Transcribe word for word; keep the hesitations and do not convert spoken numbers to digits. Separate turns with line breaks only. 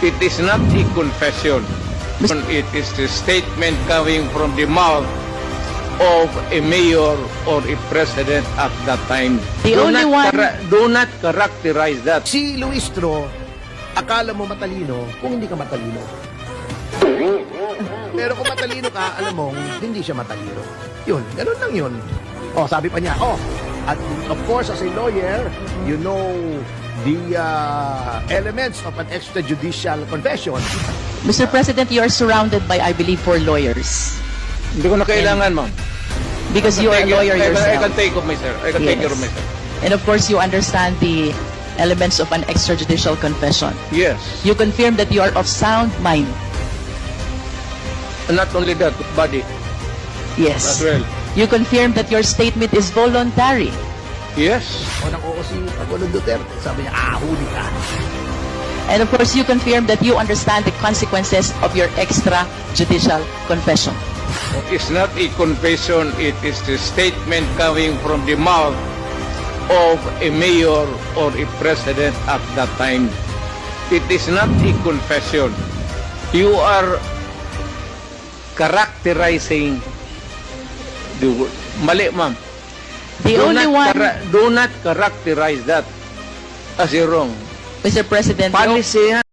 It is not a confession. It is the statement coming from the mouth of a mayor or a president at that time.
The
do
only
not
one-
chara- do not characterize that.
Si Luistro, akala mo matalino kung hindi ka matalino. Pero kung matalino ka, alam mong hindi siya matalino. Yun, ganun lang yun. Oh, sabi pa niya, oh, at of course, as a lawyer, you know the uh, elements of an extrajudicial confession.
Mister President, you are surrounded by, I believe, four lawyers.
Hindi ko na kailangan, ma'am.
Because you are a
Take it-
lawyer
I can- I
yourself.
can take of myself. I can take care of
Yes.
myself.
And of course, you understand the elements of an extrajudicial confession.
Yes.
You confirm that you are of sound mind.
Not only that, body
Yes.
as well.
You confirm that your statement is voluntary.
Yes.
O nako si Pagulong Duterte, sabi niya, ah, huli ka.
And of course, you confirm that you understand the consequences of your extrajudicial confession.
It's not a confession, it is the statement coming from the mouth of a mayor or a president at that time. It is not a confession. You are characterizing the word. Mali, ma'am.
The
do
only
not
one,
chara- do not characterize that as a wrong.
Mister President, the o-
Policy